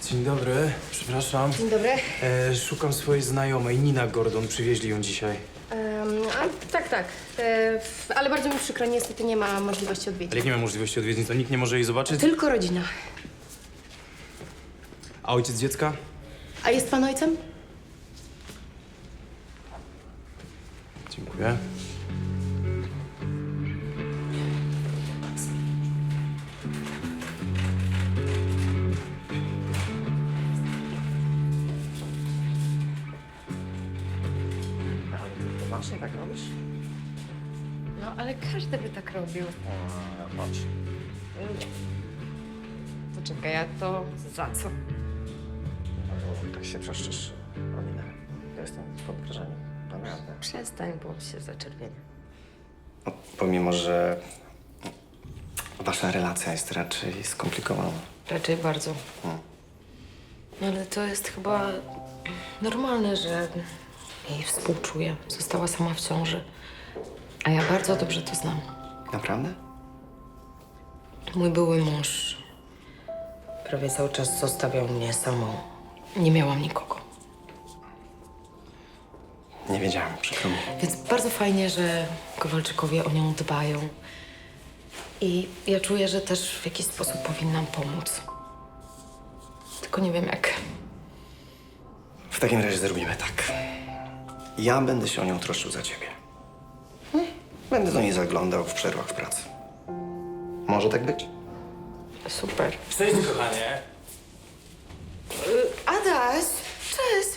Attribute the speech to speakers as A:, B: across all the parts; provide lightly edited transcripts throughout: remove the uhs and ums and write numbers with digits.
A: Dzień dobry, przepraszam.
B: Dzień dobry.
A: Szukam swojej znajomej, Nina Gordon. Przywieźli ją dzisiaj.
B: Tak. Ale bardzo mi przykro, niestety nie ma możliwości
A: Ale
B: odwiedzin.
A: jak nie ma możliwości odwiedzin, to nikt nie może jej zobaczyć?
B: Tylko rodzina.
A: A ojciec dziecka?
B: A jest pan ojcem?
A: Dziękuję.
C: Właśnie tak robisz?
B: No, ale każdy by tak robił.
C: Chodź.
B: Poczekaj, a to za co?
C: Tak się przeszczysz, Romina. Ja jestem pod wrażeniem. Naprawdę.
B: Przestań, bo się zaczerwienia.
C: No, pomimo, że wasza relacja jest raczej skomplikowana.
B: Raczej bardzo. No ale to jest chyba normalne, że jej współczuję. Została sama w ciąży. A ja bardzo dobrze to znam.
C: Naprawdę?
B: Mój były mąż prawie cały czas zostawiał mnie samą. Nie miałam nikogo.
C: Nie wiedziałem, przykro mi.
B: Więc bardzo fajnie, że Kowalczykowie o nią dbają. I ja czuję, że też w jakiś sposób powinnam pomóc. Tylko nie wiem jak.
C: W takim razie zrobimy tak. Ja będę się o nią troszczył za ciebie. Będę do niej zaglądał w przerwach w pracy. Może tak być?
B: Super.
A: Cześć, kochanie.
B: Adaś! Cześć!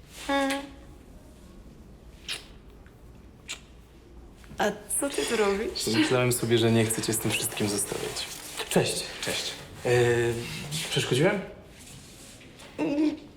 B: A co ty tu robisz?
A: Myślałem sobie, że nie chcę cię z tym wszystkim zostawiać. Cześć.
C: Cześć.
A: Przeszkodziłem?